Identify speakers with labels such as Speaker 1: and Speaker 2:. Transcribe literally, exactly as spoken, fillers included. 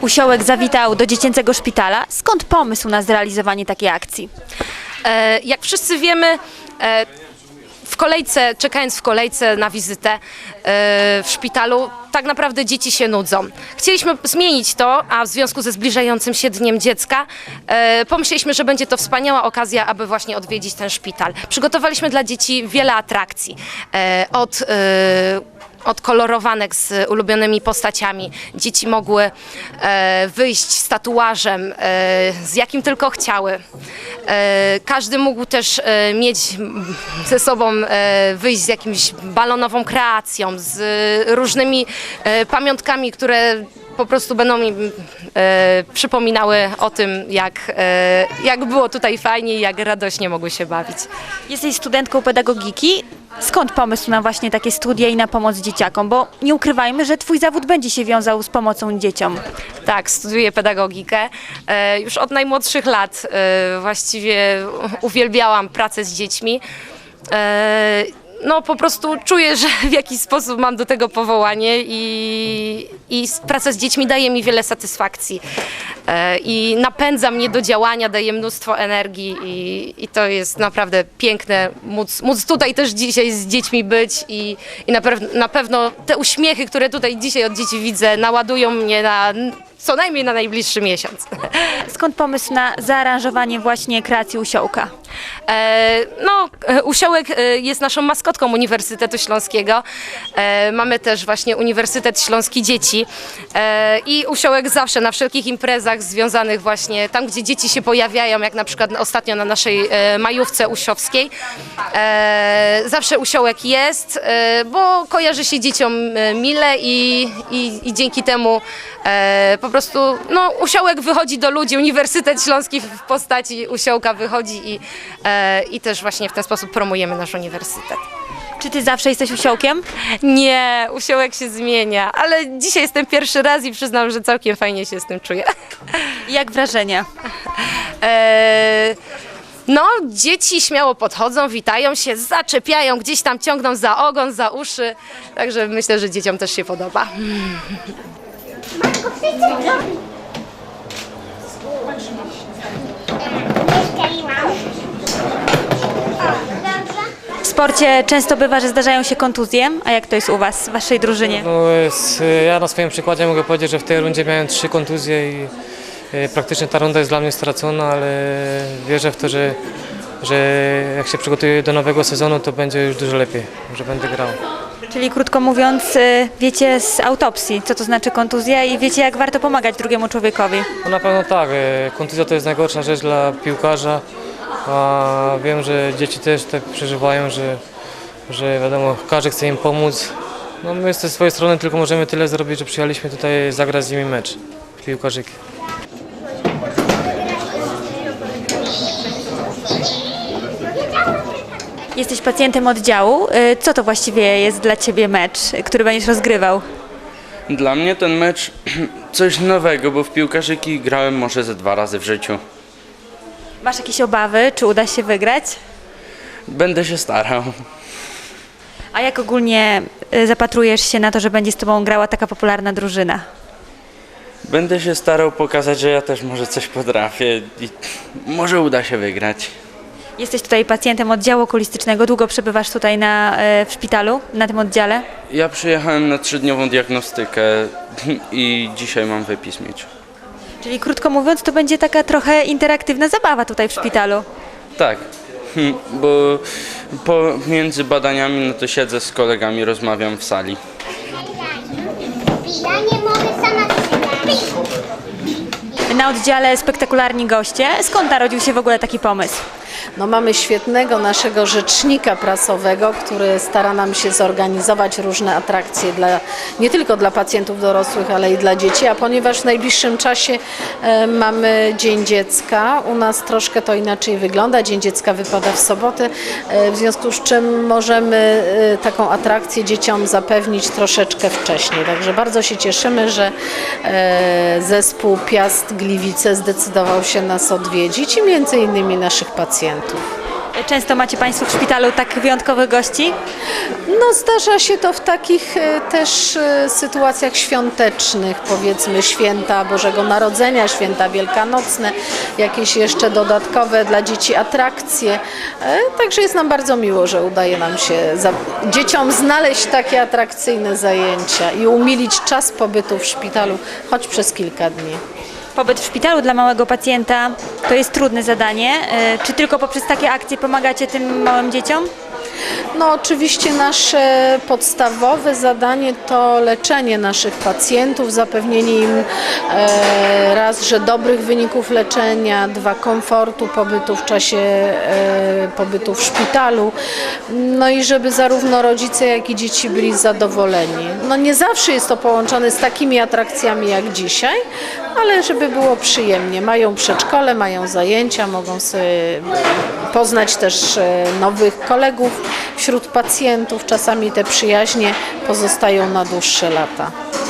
Speaker 1: Usiołek zawitał do dziecięcego szpitala. Skąd pomysł na zrealizowanie takiej akcji?
Speaker 2: E, jak wszyscy wiemy, e, w kolejce, czekając w kolejce na wizytę e, w szpitalu, tak naprawdę dzieci się nudzą. Chcieliśmy zmienić to, a w związku ze zbliżającym się Dniem Dziecka e, pomyśleliśmy, że będzie to wspaniała okazja, aby właśnie odwiedzić ten szpital. Przygotowaliśmy dla dzieci wiele atrakcji. E, od e, Od kolorowanek z ulubionymi postaciami. Dzieci mogły e, wyjść z tatuażem, e, z jakim tylko chciały. E, każdy mógł też e, mieć ze sobą, e, wyjść z jakimś balonową kreacją, z różnymi e, pamiątkami, które po prostu będą mi e, przypominały o tym, jak, e, jak było tutaj fajnie i jak radośnie mogły się bawić.
Speaker 1: Jesteś studentką pedagogiki. Skąd pomysł na właśnie takie studia i na pomoc dzieciakom? Bo nie ukrywajmy, że twój zawód będzie się wiązał z pomocą dzieciom.
Speaker 2: Tak, studiuję pedagogikę. E, już od najmłodszych lat e, właściwie uwielbiałam pracę z dziećmi. E, no po prostu czuję, że w jakiś sposób mam do tego powołanie i, i praca z dziećmi daje mi wiele satysfakcji. E, I napędza mnie do działania, daje mnóstwo energii i, i to jest naprawdę piękne móc, móc tutaj też dzisiaj z dziećmi być i, i na, pew, na pewno te uśmiechy, które tutaj dzisiaj od dzieci widzę, naładują mnie na co najmniej na najbliższy miesiąc.
Speaker 1: Skąd pomysł na zaaranżowanie właśnie kreacji Usiołka?
Speaker 2: E, no, Usiołek jest naszą maskotką Uniwersytetu Śląskiego. E, mamy też właśnie Uniwersytet Śląski Dzieci e, i Usiołek zawsze na wszelkich imprezach związanych właśnie tam, gdzie dzieci się pojawiają, jak na przykład ostatnio na naszej e, majówce usiowskiej. E, zawsze Usiołek jest, e, bo kojarzy się dzieciom mile i, i, i dzięki temu e, po prostu no, Usiołek wychodzi do ludzi, Uniwersytet Śląski w postaci Usiołka wychodzi i, e, i też właśnie w ten sposób promujemy nasz uniwersytet.
Speaker 1: Czy ty zawsze jesteś Usiołkiem?
Speaker 2: Nie, Usiołek się zmienia, ale dzisiaj jestem pierwszy raz i przyznam, że całkiem fajnie się z tym czuję.
Speaker 1: Jak wrażenia?
Speaker 2: E, no, dzieci śmiało podchodzą, witają się, zaczepiają, gdzieś tam ciągną za ogon, za uszy, także myślę, że dzieciom też się podoba.
Speaker 1: W sporcie często bywa, że zdarzają się kontuzje, a jak to jest u was, w waszej drużynie?
Speaker 3: No, jest, ja na swoim przykładzie mogę powiedzieć, że w tej rundzie miałem trzy kontuzje i e, praktycznie ta runda jest dla mnie stracona, ale wierzę w to, że, że jak się przygotuję do nowego sezonu, to będzie już dużo lepiej, że będę grał.
Speaker 1: Czyli krótko mówiąc, y, wiecie z autopsji, co to znaczy kontuzja i wiecie, jak warto pomagać drugiemu człowiekowi.
Speaker 3: No na pewno tak, e, kontuzja to jest najgorsza rzecz dla piłkarza, a wiem, że dzieci też tak przeżywają, że, że wiadomo, każdy chce im pomóc. No my ze swojej strony tylko możemy tyle zrobić, że przyjechaliśmy tutaj zagrać z nimi mecz piłkarzyki.
Speaker 1: Jesteś pacjentem oddziału. Y, Co to właściwie jest dla ciebie mecz, który będziesz rozgrywał?
Speaker 4: Dla mnie ten mecz coś nowego, bo w piłkarzyki grałem może ze dwa razy w życiu.
Speaker 1: Masz jakieś obawy, czy uda się wygrać?
Speaker 4: Będę się starał.
Speaker 1: A jak ogólnie y, zapatrujesz się na to, że będzie z tobą grała taka popularna drużyna?
Speaker 4: Będę się starał pokazać, że ja też może coś potrafię i może uda się wygrać.
Speaker 1: Jesteś tutaj pacjentem oddziału okulistycznego. Długo przebywasz tutaj na, y, w szpitalu, na tym oddziale?
Speaker 4: Ja przyjechałem na trzydniową diagnostykę i dzisiaj mam wypis mieć.
Speaker 1: Czyli krótko mówiąc, to będzie taka trochę interaktywna zabawa tutaj w szpitalu.
Speaker 4: Tak, bo pomiędzy badaniami no to siedzę z kolegami, rozmawiam w sali.
Speaker 5: Ja nie mogę sama pisać.
Speaker 1: Na oddziale spektakularni goście. Skąd narodził się w ogóle taki pomysł?
Speaker 6: No, mamy świetnego naszego rzecznika prasowego, który stara nam się zorganizować różne atrakcje dla, nie tylko dla pacjentów dorosłych, ale i dla dzieci, a ponieważ w najbliższym czasie e, mamy Dzień Dziecka, u nas troszkę to inaczej wygląda. Dzień Dziecka wypada w sobotę, e, w związku z czym możemy e, taką atrakcję dzieciom zapewnić troszeczkę wcześniej. Także bardzo się cieszymy, że e, zespół Piast Gliwice zdecydował się nas odwiedzić i między innymi naszych pacjentów.
Speaker 1: Często macie Państwo w szpitalu tak wyjątkowych gości?
Speaker 6: No zdarza się to w takich e, też e, sytuacjach świątecznych, powiedzmy święta Bożego Narodzenia, święta wielkanocne, jakieś jeszcze dodatkowe dla dzieci atrakcje. E, Także jest nam bardzo miło, że udaje nam się za, dzieciom znaleźć takie atrakcyjne zajęcia i umilić czas pobytu w szpitalu, choć przez kilka dni.
Speaker 1: Pobyt w szpitalu dla małego pacjenta to jest trudne zadanie. E, Czy tylko poprzez takie akcje pomagacie tym małym dzieciom?
Speaker 6: No oczywiście nasze podstawowe zadanie to leczenie naszych pacjentów, zapewnienie im e, raz, że dobrych wyników leczenia, dwa, komfortu pobytu w czasie e, pobytu w szpitalu, no i żeby zarówno rodzice, jak i dzieci byli zadowoleni. No nie zawsze jest to połączone z takimi atrakcjami jak dzisiaj, ale żeby było przyjemnie. Mają przedszkole, mają zajęcia, mogą sobie poznać też e, nowych kolegów wśród pacjentów. Czasami te przyjaźnie pozostają na dłuższe lata.